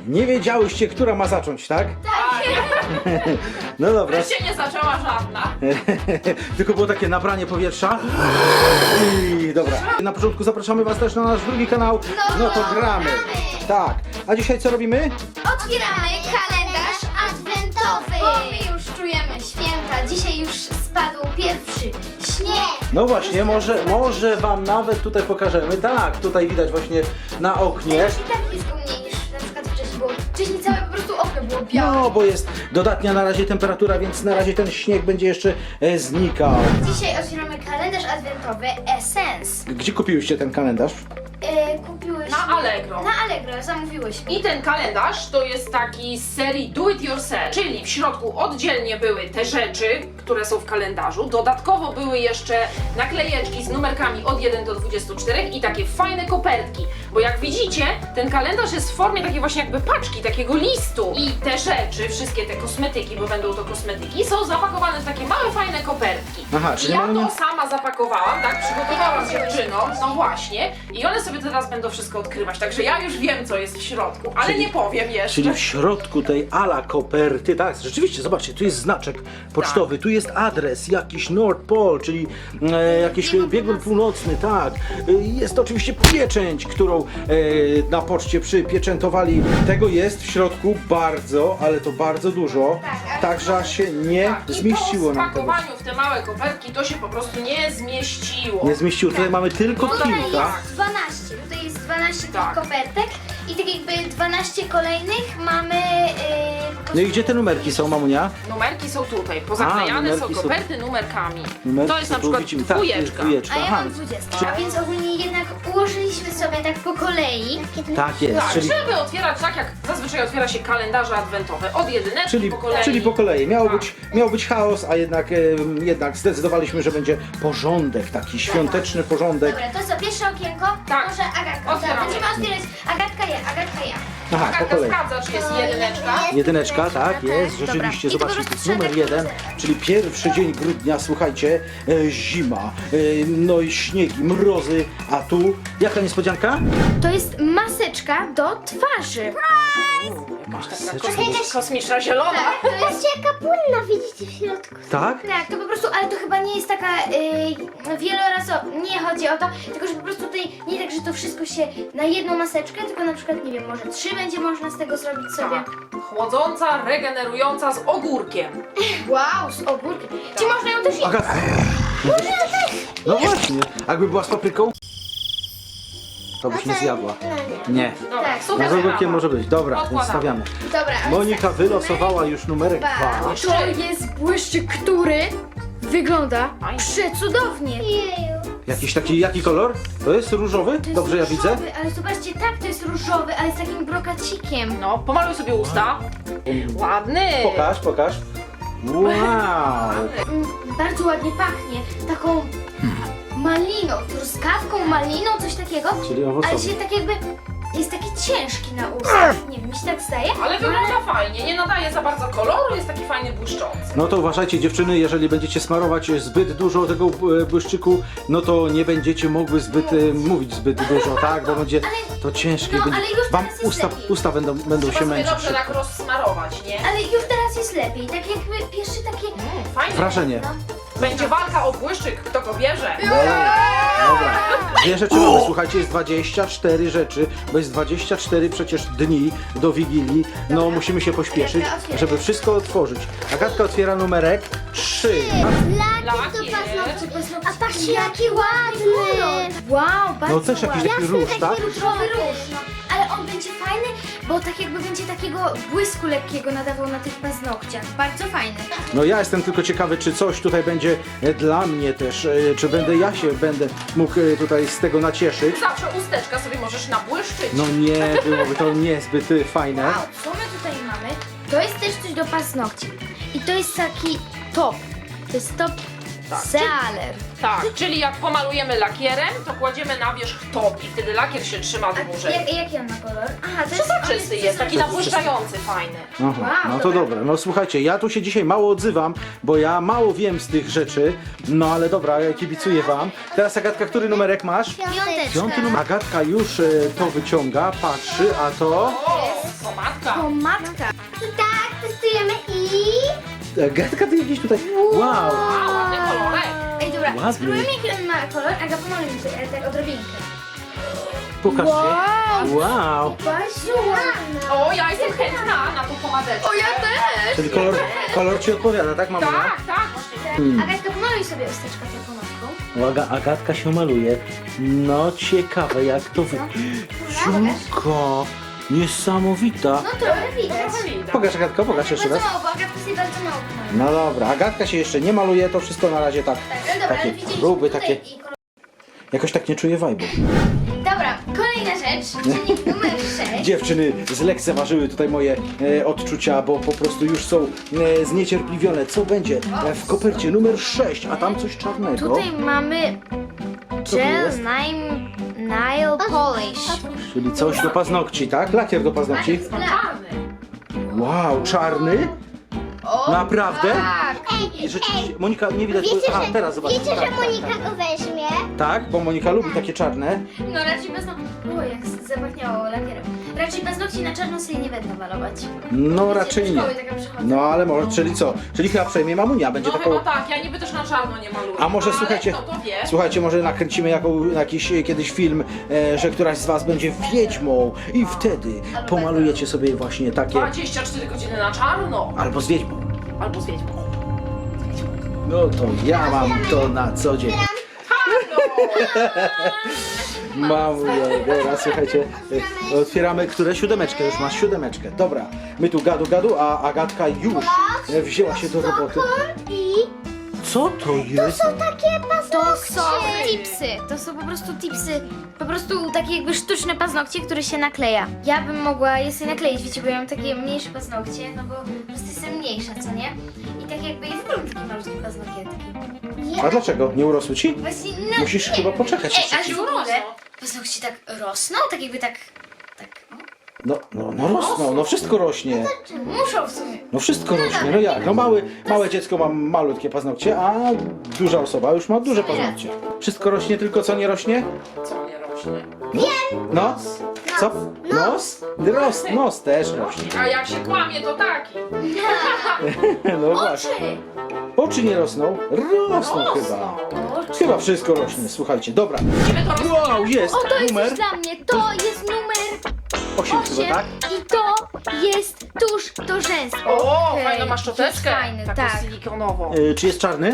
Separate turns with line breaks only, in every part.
Nie wiedziałyście, która ma zacząć, tak? No dobra.
Wreszcie nie zaczęła żadna.
Tylko było takie nabranie powietrza. I dobra. Na początku zapraszamy was też na nasz drugi kanał. No to gramy. Tak. A dzisiaj co robimy?
Otwieramy kalendarz adwentowy! Bo my już czujemy święta. Dzisiaj już spadł pierwszy śnieg.
No właśnie, może wam nawet tutaj pokażemy. Tak, tutaj widać właśnie na oknie.
Już i tak blisko mnie niż na przykład wcześniej było. Wcześniej całe po prostu okno było białe.
No, bo jest dodatnia na razie temperatura, więc na razie ten śnieg będzie jeszcze znikał.
Dzisiaj otwieramy kalendarz adwentowy Essence.
Gdzie kupiłyście ten kalendarz?
Kupiłyśmy...
Na Allegro.
Na Allegro, zamówiłyśmy.
I ten kalendarz to jest taki z serii Do It Yourself, czyli w środku oddzielnie były te rzeczy, które są w kalendarzu, dodatkowo były jeszcze naklejeczki z numerkami od 1 do 24 i takie fajne kopertki, bo jak widzicie, ten kalendarz jest w formie takiej właśnie jakby paczki, takiego listu i te rzeczy, wszystkie te kosmetyki, bo będą to kosmetyki, są zapakowane w takie małe fajne kopertki.
Aha,
I
czyli
ja
mamy-
to sama zapakowałam, tak, przygotowałam dziewczynom, no właśnie, i one sobie teraz będą wszystko odkrywać, także ja już wiem, co jest w środku, ale
Czyli-
nie powiem jeszcze.
Czyli w środku tej ala koperty, tak, rzeczywiście, zobaczcie, tu jest znaczek pocztowy, tu jest adres, jakiś North Pole, czyli jakiś biegun północny, tak. Jest oczywiście pieczęć, którą na poczcie przypieczętowali. Tego jest w środku bardzo, ale to bardzo dużo, tak że aż się nie
Tak,
zmieściło
i po
nam tego.
spakowaniu w te małe kopertki to się po prostu nie zmieściło.
Nie zmieściło, tutaj mamy tylko
No
Tutaj
kilka.
jest 12. Tutaj jest 12 tych
Tak.
kopertek i tak jakby 12 kolejnych mamy...
No i gdzie te numerki są, mamunia?
Numerki są tutaj, pozaklejane są
numerki są-
koperty numerkami.
Numerki
to jest na
są,
przykład
widzimy, tak, to jest
dwójeczka.
dwójeczka.
A ja
Aha,
mam 20. A więc ogólnie jednak ułożyliśmy sobie tak po kolei.
tak jest,
Tak,
czyli...
żeby otwierać tak jak zazwyczaj otwiera się kalendarze adwentowe, od jedyneczki
Czyli,
po kolei.
czyli po kolei. Miał
Tak.
być chaos, a jednak zdecydowaliśmy, że będzie porządek, taki świąteczny porządek.
Dobra, to co, pierwsze okienko?
Tak.
Może Agatka.
Otwieramy.
Będziemy otwierać. Agatka ja.
Aha, po
Agatka
kolei.
sprawdza, czy jest jedyneczka.
Jedyneczka, tak,
tak.
jest,
Dobra.
rzeczywiście,
I to po
zobaczcie,
prostu
to jest numer
trzeba
1,
tak
czyli pierwszy dzień grudnia, słuchajcie, zima, no i śniegi, mrozy, a tu, jaka niespodzianka?
To jest maseczka do twarzy.
Maseczka.
Kosmiczna zielona.
To jest jaka płynna, widzicie w środku.
Tak?
Tak, to po prostu, ale to chyba nie jest taka wielorazowa, nie chodzi o to, tylko że po prostu tutaj nie tak, że to wszystko się na jedną maseczkę, tylko na przykład, nie wiem, może 3 będzie można z tego zrobić sobie.
Tak. Chłodząca, regenerująca z ogórkiem.
Wow, z ogórkiem. Czy można ją też jeść?
Agatka. No właśnie, jakby była z papryką, to byś nie zjadła. Nie.
Dobra,
Tak.
super
No z ogórkiem
sprawa.
może być, dobra, więc
Odkładamy.
stawiamy.
Dobra, a więc
Monika
tak,
wylosowała już numerek 2.
To jest błyszczyk, który wygląda
Fajnie.
przecudownie.
Jakiś taki, jaki kolor? To jest różowy?
To jest
Dobrze ja widzę?
różowy, ale zobaczcie, tak, to jest różowy, ale z takim brokacikiem.
No, pomaluj sobie usta. Ładny.
Pokaż. Wow!
Bardzo ładnie pachnie, taką maliną, truskawką, maliną, coś takiego.
Czyli
Ale
owocowy.
się tak jakby jest taki ciężki na ustach. Nie wiem, mi się tak zdaje.
Ale wygląda fajnie, nie nadaje za bardzo koloru, jest taki fajny błyszczący.
No to uważajcie dziewczyny, jeżeli będziecie smarować zbyt dużo tego błyszczyku, no to nie będziecie mogły mówić zbyt dużo, tak? Bo będzie to ciężkie.
No,
będzie,
ale już
wam
teraz jest lepiej.
usta będą
Trzeba
się
sobie
męczyć.
dobrze tak rozsmarować, nie?
Ale już teraz jest lepiej, tak jakby pierwsze takie...
Fajnie.
Wrażenie.
No.
Będzie walka o błyszczyk, kto go bierze.
Dobra. Dwie rzeczy mamy, słuchajcie, jest 24 rzeczy, bo jest 24 przecież dni do Wigilii. No
Dobra.
musimy się pośpieszyć,
Agatka otwiera.
żeby wszystko otworzyć. Agatka otwiera numerek 3.
Lakier.
A patrzcie, jaki ładny! Wow, bardzo
No też jakiś
ładny.
taki róż, tak?
Różowy róż, no. Ale on będzie fajny, bo tak jakby będzie takiego błysku lekkiego nadawał na tych paznokciach. Bardzo fajny.
No ja jestem tylko ciekawy, czy coś tutaj będzie dla mnie też, czy będę mógł tutaj z tego nacieszyć.
Zawsze usteczka sobie możesz nabłyszczyć.
No nie, byłoby to niezbyt fajne.
Wow, co my tutaj mamy? To jest też coś do paznokci. I to jest taki top. To jest top
Tak.
Sealer.
Tak, czyli jak pomalujemy lakierem, to kładziemy na wierzch top i wtedy lakier się trzyma dłużej.
Jaki on ma kolor? Aha, to
Przezroczysty jest, taki nabłyszczający, fajny.
Aha,
Wow,
no to
dobra.
dobra. No słuchajcie, ja tu się dzisiaj mało odzywam, bo ja mało wiem z tych rzeczy. No ale dobra, ja kibicuję wam. Teraz Agatka, który numerek masz?
Piąteczka.
5 numer. Agatka już to wyciąga, patrzy, a to...
O, pomadka.
Pomadka.
Tak, testujemy i...
Agatka, ty jakiś tutaj... Wow!
A, ładny kolorek.
Ej, dobra,
Ładny.
spróbujmy jaki on ma kolor. Aga, pomaluj mi tutaj, ale tak odrobinkę.
Pokażcie.
Wow!
Wow!
Basiu, ładna.
O, ja jestem chętna na tą pomadeczkę.
O, ja też.
Czyli kolor ci odpowiada, tak mamunia?
Tak, tak, właśnie.
Agatka, pomaluj sobie usteczkę tą pomadką.
Agatka się maluje. No ciekawe jak to wy... Ciurko! Niesamowita!
No trochę widać.
Trochę widać.
Pokaż Agatko, pokaż jeszcze
Bardzo
raz.
mało, bo Agatka sobie bardzo mało pomaluje.
No dobra, Agatka się jeszcze nie maluje, to wszystko na razie tak.
Tak, ale dobra,
Takie
ale widzieliśmy
próby,
tutaj
takie...
i kolor.
Jakoś tak nie czuję vibe'u.
Dobra, kolejna rzecz, czynnik numer 6.
Dziewczyny zlekceważyły tutaj moje odczucia, bo po prostu już są zniecierpliwione. Co będzie w kopercie numer 6, a tam coś czarnego.
Tutaj mamy
to jest?
gel nail polish.
Czyli coś do paznokci, tak? Lakier do paznokci.
Czarny.
Wow, czarny?
O,
Naprawdę?
tak.
Ej,
Rzeczywiście, Monika nie widać,
wiecie,
bo... A,
że,
teraz zobacz.
wiecie,
tak,
że Monika go weźmie?
Tak, bo Monika lubi takie czarne.
No raczej paznokci... O, jak zapachniało lakierem. Raczej paznokci na czarno sobie nie będę malować.
No raczej
Do
nie.
szkoły taka przychodzę.
No ale może, czyli co? Czyli chyba przejmie mamunia, będzie
No
taką...
chyba tak, ja niby też na czarno nie maluję.
A może
ale
słuchajcie,
kto to wie?
słuchajcie, może nakręcimy jakiś kiedyś film, że któraś z was będzie wiedźmą i wtedy pomalujecie sobie właśnie takie...
24 godziny na czarno.
Albo z wiedźmą.
Albo z wiedźmą.
No to ja mam to na co dzień. Mamunia, dobra, słuchajcie, otwieramy które? Siódemeczkę, już masz siódemeczkę. Dobra, my tu gadu, a Agatka już wzięła się do roboty.
I
Co to jest?
są takie
To
paznokcie.
są tipsy. To są po prostu tipsy. Po prostu takie jakby sztuczne paznokcie, które się nakleja. Ja bym mogła je sobie nakleić, wiecie, bo ja mam takie mniejsze paznokcie, no bo po prostu jestem mniejsza, co nie? I tak jakby jest w ogóle takie malutkie paznokietki.
A dlaczego? Nie urosły ci?
Właśnie, no,
Musisz
nie
chyba
wiem.
poczekać
Ej,
jeszcze.
ale w ogóle paznokcie tak rosną, tak jakby tak
No rosną, no wszystko rośnie.
muszą w sumie.
No wszystko rośnie, no jak? No małe dziecko ma malutkie paznokcie, a duża osoba już ma duże paznokcie. Wszystko rośnie, tylko co nie rośnie?
Co nie rośnie?
No? Co? Nos? Nos też rośnie.
A jak się kłamie, to taki.
No właśnie.
Oczy!
Oczy nie rosną? Rosną chyba.
Rosną.
Oczy.
Chyba wszystko rośnie, słuchajcie, dobra.
Widzimy to rośnie.
Wow, jest
O, to jest
numer
coś dla mnie. To jest numer
8
8
chyba, tak?
i to jest tusz do rzęs.
O,
Okej,
fajną masz szczoteczkę.
jest fajny,
Taką
tak.
silikonową.
Czy jest czarny?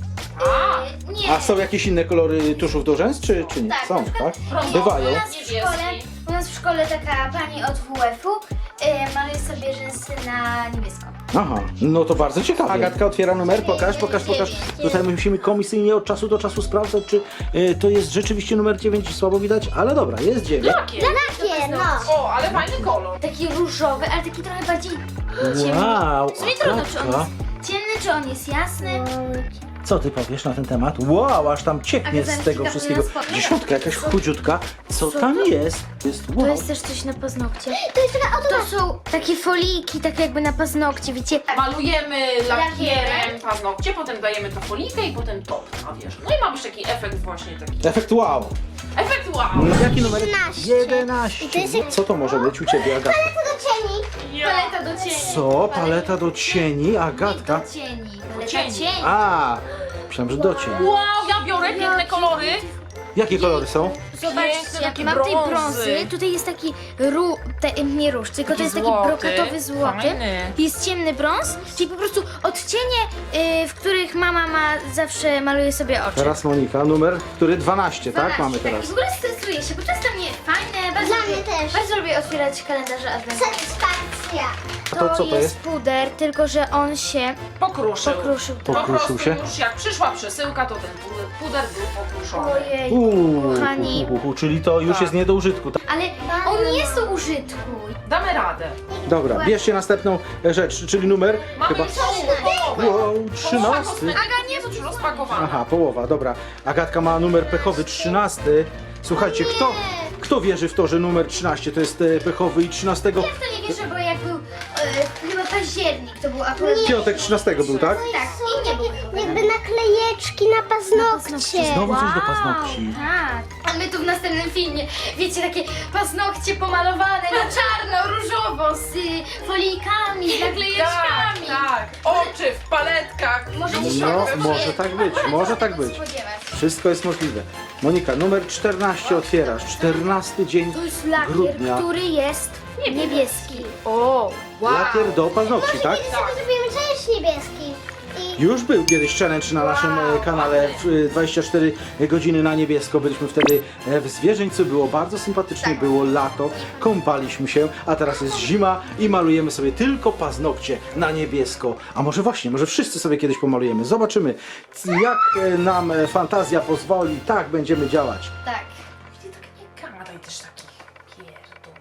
A,
Nie.
A są jakieś inne kolory tuszów do rzęs, czy nie?
Tak,
Są,
na przykład,
tak? Bywają.
U nas w szkole taka pani od WF-u maluje sobie rzęsy na niebiesko.
Aha, no to bardzo ciekawe. Agatka otwiera numer, pokaż. Tutaj musimy komisyjnie od czasu do czasu sprawdzać, czy to jest rzeczywiście numer 9, słabo widać, ale dobra, jest 9.
Jakie?
Takie, no.
O, ale fajny kolor.
Taki różowy, ale taki trochę bardziej ciemny.
Wow,
W sumie trudno, czy on
Agatka.
jest ciemny, czy on jest jasny.
Co ty powiesz na ten temat? Wow, aż tam cieknie
Aga,
z
zaraz
tego
ci
wszystkiego.
kapnę na spodnie.
Dziesiątka, jakaś chudziutka. Co
Co
tam
to?
jest? Jest
To
wow.
jest też coś na paznokcie.
To jest taka
To są takie foliki, tak jakby na paznokcie, wiecie?
Malujemy lakierem paznokcie, potem dajemy to folikę i potem top na wierzch. No i ma być taki efekt właśnie taki.
Efekt wow.
Efekt wow.
No, jaki numer?
11.
11.
I to jest jak-
Co to może być u ciebie, Agatka?
To do cieni.
Paleta do cieni.
Co? Paleta do cieni? Agatka?
Do cieni. Paleta
cieni.
cieni.
A, myślałem, że do cieni.
Wow, ja biorę piękne kolory.
Jakie kolory są?
Piękne,
Zobaczcie,
takie
mam tej
brązy.
brązy. Tutaj jest taki nie róż, tylko to jest taki
złoty,
brokatowy złoty.
fajny.
Jest ciemny brąz, czyli po prostu odcienie, w których mama ma zawsze maluje sobie oczy.
Teraz Monika, numer, który 12, tak?
12,
Mamy
I
teraz.
w ogóle stresuję się, bo to jest dla mnie fajne. Bardzo
Dla
lubię,
mnie też.
Bardzo lubię otwierać kalendarze adwentowe.
Satysfakcja. Konstrukcja.
To co to jest?
puder, tylko że on się
Pokruszył.
pokruszył.
Po
Pokruszył
prostu
się?
już jak przyszła przesyłka, to ten puder był pokruszony.
Ojej, kochani.
Czyli to już
Tak.
jest nie do użytku. Tak?
Ale on nie jest do użytku.
Damy radę.
Dobra, bierzcie następną rzecz, czyli numer
Mamy
chyba...
już połowę.
Wow, 13.
Aga nie jest już rozpakowana.
Aha, połowa, dobra. Agatka ma numer pechowy 13. Słuchajcie, kto wierzy w to, że numer 13 to jest pechowy i 13?
Ja w to nie wierzę, bo jak był chyba październik, to był akurat...
Piątek 13 był, tak?
Tak, i nie był.
Jakby naklejeczki na paznokcie.
Znowu coś do paznokci.
Tak. A my tu w następnym filmie, wiecie, takie paznokcie pomalowane na czarno, różowo, z folijkami, z naklejeczkami.
Tak. Oczy w paletkach.
Możecie się
No,
tego
może tak być, może tak być.
spodziewać.
Wszystko jest możliwe. Monika, numer 14 otwierasz. 14 dzień
To jest lakier,
grudnia.
który jest niebieski. O, wow.
Lakier do paznokci, tak?
Kiedy sobie zrobimy challenge niebieski. I
Już był kiedyś challenge na naszym kanale w 24 godziny na niebiesko. Byliśmy wtedy w Zwierzyńcu, było bardzo sympatycznie, było lato, kąpaliśmy się, a teraz jest zima i malujemy sobie tylko paznokcie na niebiesko. A może właśnie, może wszyscy sobie kiedyś pomalujemy. Zobaczymy, jak nam fantazja pozwoli, tak będziemy działać.
Tak.
Nie gadaj też takich pierdół.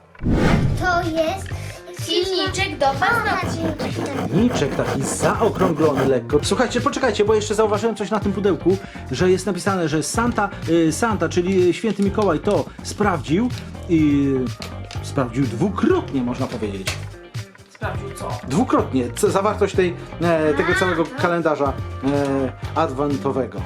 to jest
Silniczek do paznokci.
Niczek taki zaokrąglony lekko. Słuchajcie, poczekajcie, bo jeszcze zauważyłem coś na tym pudełku, że jest napisane, że Santa, czyli Święty Mikołaj to sprawdził i sprawdził dwukrotnie, można powiedzieć.
Sprawdził co?
Dwukrotnie zawartość tego całego kalendarza adwentowego.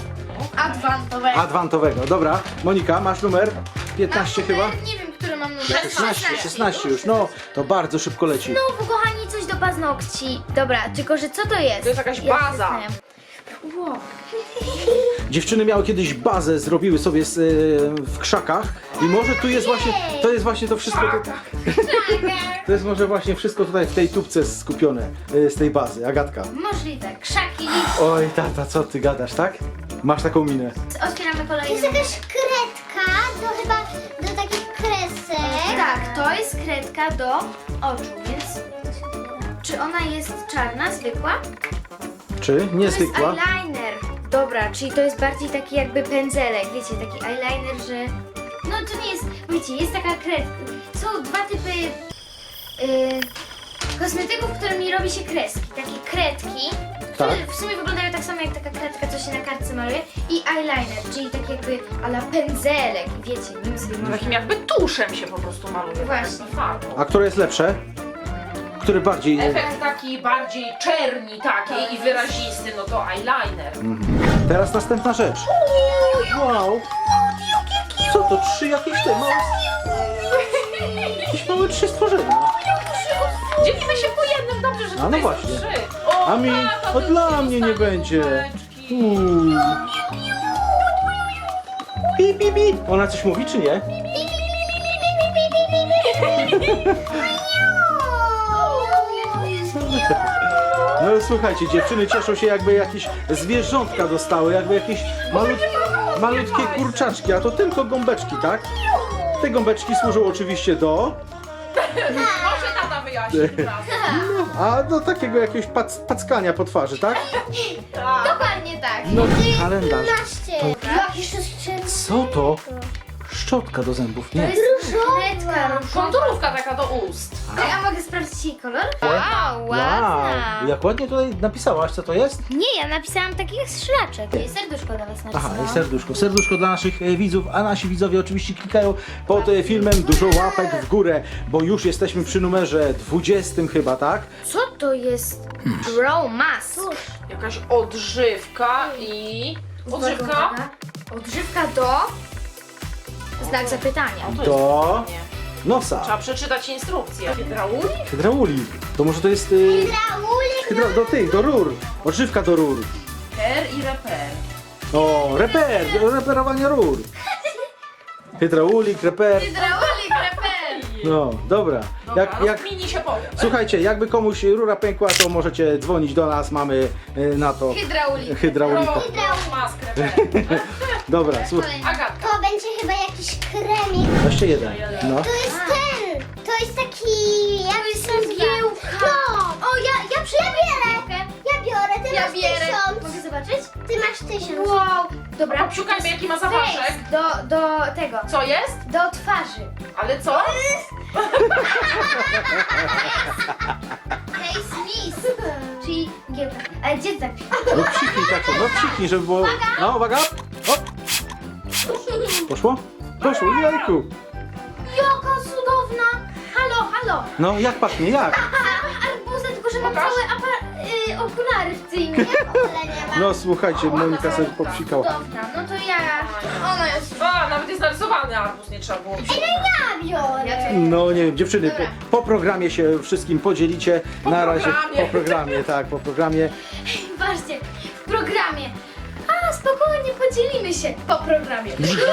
Adwentowego. Dobra, Monika, masz numer 15 chyba?
Nie wiem, który mam numer.
16 już, no to bardzo szybko leci.
Znowu, kochani, coś do paznokci. Dobra, tylko że co to jest?
To jest jakaś
Ja
baza.
zastanawiam. Wow.
Dziewczyny miały kiedyś bazę, zrobiły sobie w krzakach i może tu jest właśnie, to jest właśnie to wszystko, to jest może właśnie wszystko tutaj w tej tubce skupione z tej bazy. Agatka.
Możliwe. Krzaki.
Oj tata, co ty gadasz, tak? Masz taką minę.
Otwieramy
To
kolejną.
jest jakaś kredka do chyba do takich kresek.
Tak, to jest kredka do oczu, więc... Czy ona jest czarna, zwykła?
Czy? Niezwykła?
To jest eyeliner. Dobra, czyli to jest bardziej taki jakby pędzelek, wiecie, taki eyeliner, że... No to nie jest, wiecie, jest taka kredka. Są dwa typy kosmetyków, którymi robi się kreski. Takie kredki, które
Tak.
w sumie wyglądają tak samo jak taka kredka, co się na kartce maluje. I eyeliner, czyli tak jakby ala pędzelek, wiecie, nim sobie można...
Takim jakby tuszem się po prostu maluje.
Właśnie.
Farbą.
A które jest lepsze? Które bardziej...
Efekt taki bardziej czerni takiej i wyrazisty, no to eyeliner.
Teraz następna rzecz. Wow! Co to? 3 jakieś te małe... Jakieś małe 3 stworzenia.
Dzielimy się po jednym, dobrze, że
A no
tutaj są
właśnie.
3. O,
A mi...
tata,
O,
to
dla
już
mnie nie
zostały
będzie.
kuleczki.
Pi, pi, pi. Ona coś mówi, czy nie? No słuchajcie, dziewczyny cieszą się, jakby jakieś zwierzątka dostały, jakby jakieś malutkie kurczaczki, a to tylko gąbeczki, tak? Te gąbeczki służą oczywiście do...
Może tata wyjaśni teraz.
A do takiego jakiegoś packania po twarzy, tak?
Dokładnie tak.
No kalendarz.
15. Jakiś
Co to? Szczotka do zębów,
To
nie.
jest kredka.
Konturówka taka do ust.
A mogę sprawdzić jej kolor? Wow, ładna.
Wow, jak ładnie tutaj napisałaś, co to jest?
Nie, ja napisałam takich szlaczek. I serduszko dla was
Aha,
napisałam.
i serduszko. Serduszko dla naszych widzów, a nasi widzowie oczywiście klikają pod filmem dużo łapek w górę, bo już jesteśmy przy numerze 20 chyba, tak?
Co to jest? Brow mask.
Jakaś odżywka i... Odżywka?
Uwaga. Odżywka do... Znak zapytania.
No to
Do
jest fajnie.
nosa.
Trzeba przeczytać instrukcję. Hydraulik?
Hydrauli. To może to jest...
Raulik.
do rur. Odżywka do rur.
Per i reper.
O, reper, do reperowania rur. Hydraulik, reper.
Hydraulik reper.
No, dobra.
Dobra,
Jak,
rozkmini się powiem.
słuchajcie, jakby komuś rura pękła, to możecie dzwonić do nas, mamy na to
Hydraulik.
hydraulika.
Maskę.
Dobra, słuchaj.
Agatka.
To będzie chyba jakiś kremik.
Jeszcze jeden. No.
To jest ten. To jest taki... Jak
To jest
się nazywa?
mgiełka.
Dobrze, ja biorę. Ja biorę, ty
Ja
masz
bierę.
1000.
Mogę zobaczyć?
Ty masz 1000.
Wow, dobra.
Obszukajmy, jaki ma zapaszek.
Do tego,
Co jest?
do twarzy.
Ale co?
Face Miss, czyli giełka. Ale gdzie tak?
No psiknij tak, no psiknij, żeby było... No, uwaga! Hop. Poszło? Poszło, jajku!
Jaka cudowna! Halo, halo!
No, jak pachnie, jak?
Arbuza, tylko że mam
Pokaż.
całe okulary w tym.
Ale nie ma.
No słuchajcie, Monika sobie popsikała.
Cudowna, no to ja... Ona jest...
A, nawet jest narysowany arbuz, nie trzeba było.
Ja biorę.
No nie wiem, dziewczyny,
Dobra.
po programie się wszystkim podzielicie.
Po
Na razie
programie.
po programie, tak, po programie.
Patrzcie, w programie. A, spokojnie, podzielimy się po programie.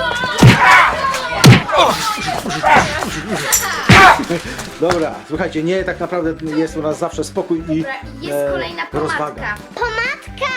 Dobra, słuchajcie, nie, tak naprawdę jest u nas zawsze spokój i
Dobra, jest kolejna
rozwaga.
pomadka.
Pomadka.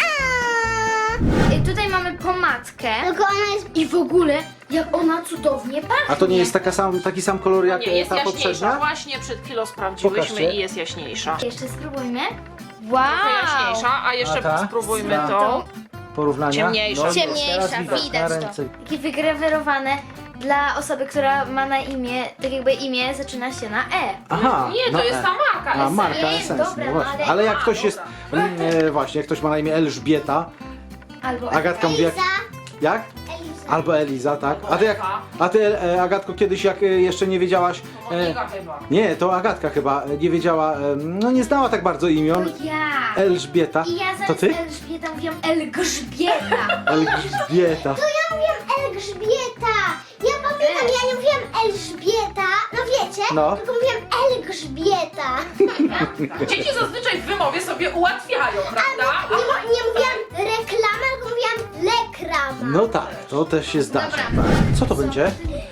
Tutaj mamy pomadkę.
Tylko ona jest...
I w ogóle, jak ona cudownie pachnie.
A to nie jest taki sam kolor jak
Nie, jest
ta
jaśniejsza.
poprzednia?
Właśnie przed chwilą sprawdziłyśmy
Pokażcie.
i jest jaśniejsza.
Jeszcze spróbujmy. Wow!
Trochę jaśniejsza, a jeszcze
A ta?
spróbujmy
Ta.
tą.
Porównania?
Ciemniejsza.
No,
Ciemniejsza,
teraz
widać
na
to.
ręce.
Takie wygrawerowane dla osoby, która ma na imię, tak jakby imię zaczyna się na E.
Aha,
Nie,
no,
to jest ta marka.
A, marka
Nie,
Essence,
dobra,
no
no
właśnie.
ale-
Ale jak ktoś jest,
dobra.
właśnie, jak ktoś ma na imię Elżbieta,
Albo
Agatka mówi jak,
Eliza.
jak?
Eliza.
Albo Eliza, tak?
Albo Ewa.
A ty Agatko, kiedyś jak jeszcze nie wiedziałaś,
Monika chyba.
nie, to Agatka chyba nie wiedziała, no nie znała tak bardzo imion,
ja.
Elżbieta,
I ja
to
zamiast
ty?
Elżbieta mówiłam Elgrzbieta.
Elżbieta.
To ja mówiłam Elżbieta. Ja pamiętam, ja nie mówiłam Elżbieta. No wiecie?
No.
Tylko mówiłam Elżbieta.
Dzieci zazwyczaj w wymowie sobie ułatwiają, prawda?
Nie mówiłam reklama, tylko mówiłam lekrama.
No tak, to też się zdarza.
Dobra.
Tak. Co to będzie?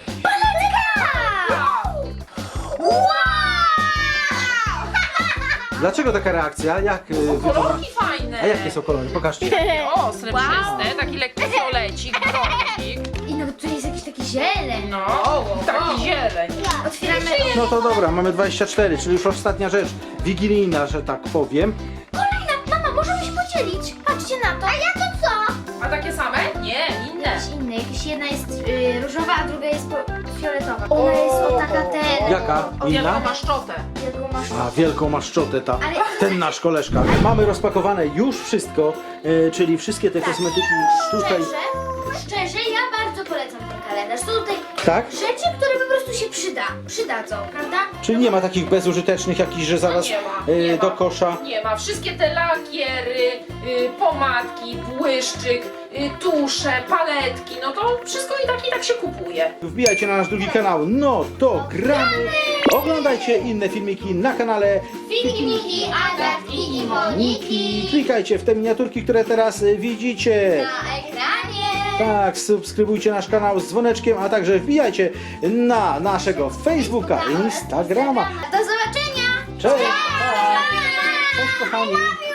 Dlaczego taka reakcja? Jak wygląda?
Kolorki fajne.
A jakie są kolory? Pokażcie.
O, srebrzyste, taki lekki fiolecik, brązik.
I no tu jest jakiś taki zieleń.
No, taki zieleń.
Otwieramy.
No to dobra, mamy 24, czyli już ostatnia rzecz wigilijna, że tak powiem.
Kolejna, mama, możemy się podzielić. Patrzcie na to. A ja to co?
A takie same? Nie, inne.
Jakieś inne, jakieś jedna jest różowa, a druga jest fioletowa. Ona jest o taka ten.
Jaka?
O,
Inna?
wielką maszczotę.
Jaką masz?
A, wielką maszczotę ta.
Ale-
Ten nasz koleżka. Mamy rozpakowane już wszystko, czyli wszystkie te kosmetyki tutaj.
Szczerze, ja bardzo polecam ten kalendarz. Są tutaj
Tak?
rzeczy, które po prostu się przydadzą, prawda?
Czyli nie ma takich bezużytecznych jakichś, że zaraz
Nie ma, nie
do
ma.
kosza.
Nie ma. Wszystkie te lakiery, pomadki, błyszczyk, tusze, paletki, no to wszystko i tak się kupuje.
Wbijajcie na nasz drugi kanał, no to gramy. Oglądajcie inne filmiki na kanale
Fiki, Miki, Agatki i
Moniki. Klikajcie w te miniaturki, które teraz widzicie.
Na ekranie.
Tak, subskrybujcie nasz kanał z dzwoneczkiem, a także wbijajcie na naszego Facebooka, Instagrama.
Do zobaczenia.
Cześć! Cześć kochani!